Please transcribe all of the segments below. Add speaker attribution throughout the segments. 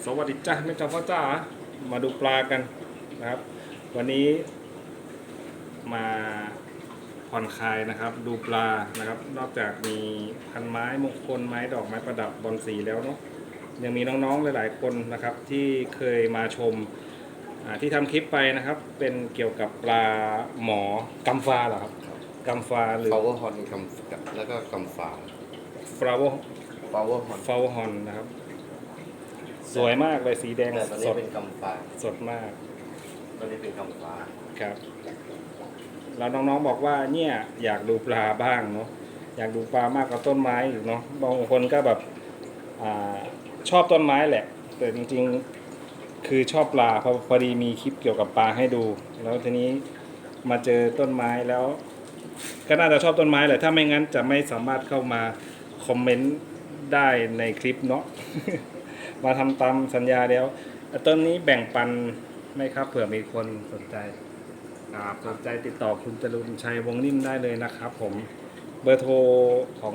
Speaker 1: สวัสดีจ้าแม่จอมพ่อจ้ามาดูปลากันนะครับวันนี้มาผ่อนคลายนะครับดูปลานะครับนอกจากมีพันไม้มงคลไม้ดอกไม้ประดับบอนสีแล้วเนาะยังมีน้องๆหลายๆคนนะครับที่เคยมาชมที่ทำคลิปไปนะครับเป็นเกี่ยวกับปลาหมอกำฟ้าเหรอครับกำฟ้าหรือ
Speaker 2: flower horn กำแล้วก็กำฝา
Speaker 1: flower
Speaker 2: flower horn
Speaker 1: flower horn นะครับสวยมากเลยสีแดง
Speaker 2: แต่ตอน
Speaker 1: ส
Speaker 2: นี้
Speaker 1: ด
Speaker 2: เป็นกำฝา
Speaker 1: สดมาก
Speaker 2: ตอนนี้เป็นกำฝา
Speaker 1: ครับแล้วน้องๆบอกว่าเนี่ยอยากดูปลาบ้างเนาะอยากดูปลามากกว่าต้นไม้อีกเนาะบางคนก็แบบชอบต้นไม้แหละแต่จริงๆคือชอบปลาพอดีมีคลิปเกี่ยวกับปลาให้ดูแล้วทีนี้มาเจอต้นไม้แล้วก็น่าจะชอบต้นไม้แหละถ้าไม่งั้นจะไม่สามารถเข้ามาคอมเมนต์ได้ในคลิปเนาะ มาทำตามสัญญาแล้วต้นนี้แบ่งปันไหมครับเผื่อมีคนสนใจครับสนใจติดต่อคุณจรุนชัยวงนิ่มได้เลยนะครับผมเบอร์โทรของ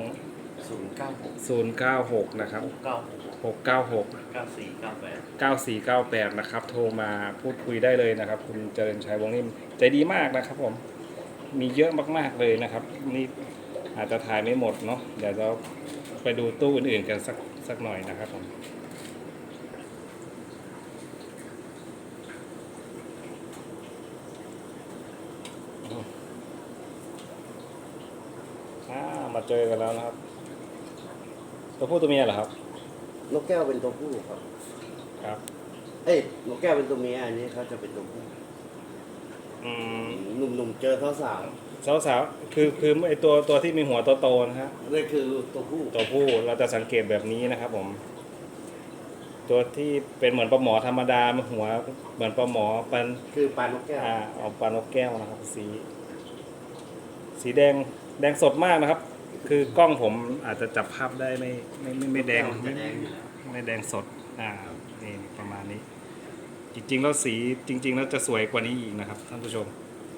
Speaker 1: 096 นะครับ 696 9498 นะครับโทรมาพูดคุยได้เลยนะครับคุณเจริญชัยวงนิ่มใจดีมากนะครับผมมีเยอะมากๆเลยนะครับนี่อาจจะถ่ายไม่หมดเนาะเดี๋ยวเราไปดูตู้อื่นๆกันสักหน่อยนะครับผมมาเจอกันแล้วนะครับตัวผู้ตัวเมียเหรอครับ
Speaker 2: นกแก้วเป็นตัวผู้ครับ
Speaker 1: ครับ
Speaker 2: นกแก้วเป็นตัวเมียอันนี้เขาจะเป็นตัวผู้หนุ่มๆเจอสาว
Speaker 1: สาวๆคือไอตัวที่มีหัวโตๆนะฮะ
Speaker 2: นี่คือตัวผู้
Speaker 1: เราจะสังเกตแบบนี้นะครับผมตัวที่เป็นเหมือนปลาหมอธรรมดาหัวเหมือนปลาหมอปัน
Speaker 2: คือปลานกแก้ว
Speaker 1: เอาปลานกแก้วนะครับสีแดงสดมากนะครับคือกล้องผมอาจจะจับภาพได้ไม่แดงไม่แดงสดนี่ประมาณนี้จริงๆแล้วสีจริงๆแล้วจะสวยกว่านี้อีกนะครับท่านผู้ชม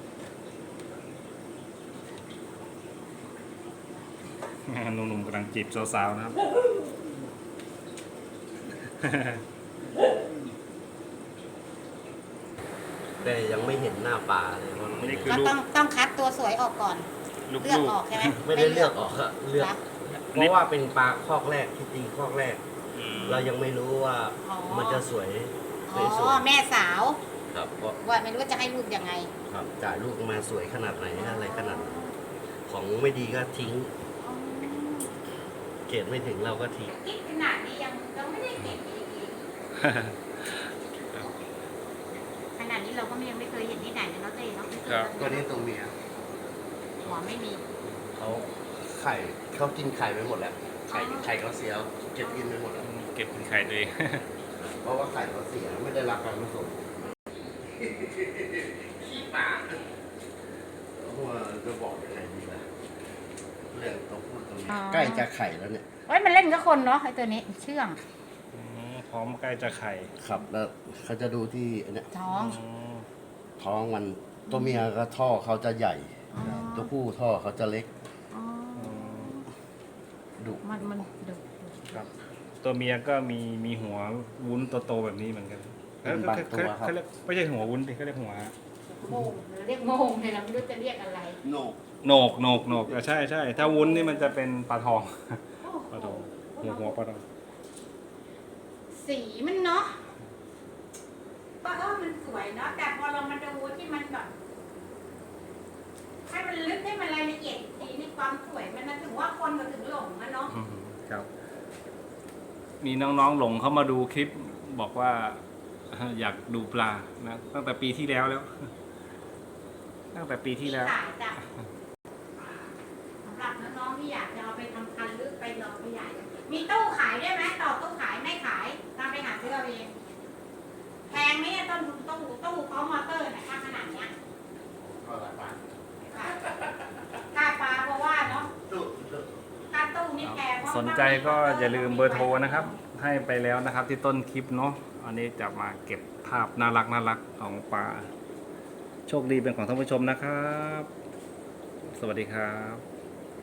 Speaker 1: หนุ่มๆกำลังจีบสาวๆนะครับ
Speaker 2: แต่ยังไม่เห็นหน้าปลาเลย
Speaker 3: ก็ต้องคัดตัวสวยออกก่อนเลือกออกใช่ไหม
Speaker 2: ไม่ได้เลือกออกครับเลือกเพราะว่าเป็นปลาคอกแรกที่ตีคอกแรกเรายังไม่รู้ว่ามันจะสวย
Speaker 3: แม่สาว
Speaker 2: ครับ
Speaker 3: ว่าไม่รู้ว่าจะให้ลูกยังไง
Speaker 2: ครับจ่ายลูกมาสวยขนาดไหนอะไรขนาดของไม่ดีก็ทิ้งเกรดไม่ถึงเราก็ทิ้ง
Speaker 3: คิดขนาดนี้ยังไม่ได้เก็บอีกขนาดนี้เราก็ยังไม่เคยเห็นที่ไหนเลยเนาะเต้เนาะ
Speaker 2: ตัวนี้ตัวเมีย
Speaker 3: หัวไม่มี
Speaker 2: เขากินไข่ไปหมดแล้วไข่เขาเสียเก็บกินไปหมดแล้ว
Speaker 1: เก็บไข่ตัวเอง
Speaker 2: เพราะว่าไข่เขาเสียไม่ได้รับการผสมขี้ปากว่าจะบอกยังไงดีล่ะเรื่องต้องพูดตรงนี้ใกล้จะไข่แล้วเนี่ย
Speaker 3: มันเล่นกับคนเนาะไอ้ตัวนี้เชื่อง
Speaker 1: พร้อมใกล้จะไข่
Speaker 2: ครับแล้วเขาจะดูที่เนี่ย
Speaker 3: ท้อง
Speaker 2: มันตัวเมียก็ท่อเขาจะใหญ่ตัวผู้ท่อเขาจะเล็กดุ
Speaker 3: มันดุ
Speaker 1: ครับตัวเมียก็มีหัววุ้นโตๆแบบนี้เหมือนกันเขาเรียกไม่ใช่หัววุ้นดิเขาเรียกหัว
Speaker 3: โมงเรียกโมงเลยเราไม่รู้จะเรียกอะไร
Speaker 1: โหนกใช่ถ้าวุ้นนี่มันจะเป็นปลาทองหัวปลาทอง
Speaker 3: สีมันเนาะก็มันสวยเนาะแต่พอเรามาดูที่มันแบบให้มันลึกให้มันรายละเอียดสีในความสวยมันถึงว่าคนก็ถึงหลงนะเนาะ
Speaker 1: ครับมีน้องๆหลงเข้ามาดูคลิปบอกว่าอยากดูปลานะตั้งแต่ปีที่แล้วตั้งแต่ปีที่แล้ว
Speaker 3: สำหรับน้องๆที่อยากจะเอาไปทำพันธุ์หรือไปลองขยายมีตู้ขายได้ไหมต่อตู้ขายไม่ขายตามไปหาซื้อเอาเองแพงไหมตู้พร้อมมอเตอร์นะขนาดเนี้ยค่าปลาเพราะว่าเนาะค่าตู้นี่แพง
Speaker 1: สนใจก็อย่าลืมเบอร์โทรนะครับให้ไปแล้วนะครับที่ต้นคลิปเนาะอันนี้จะมาเก็บภาพน่ารักของปลาโชคดีเป็นของท่านผู้ชมนะครับสวัสดีครับ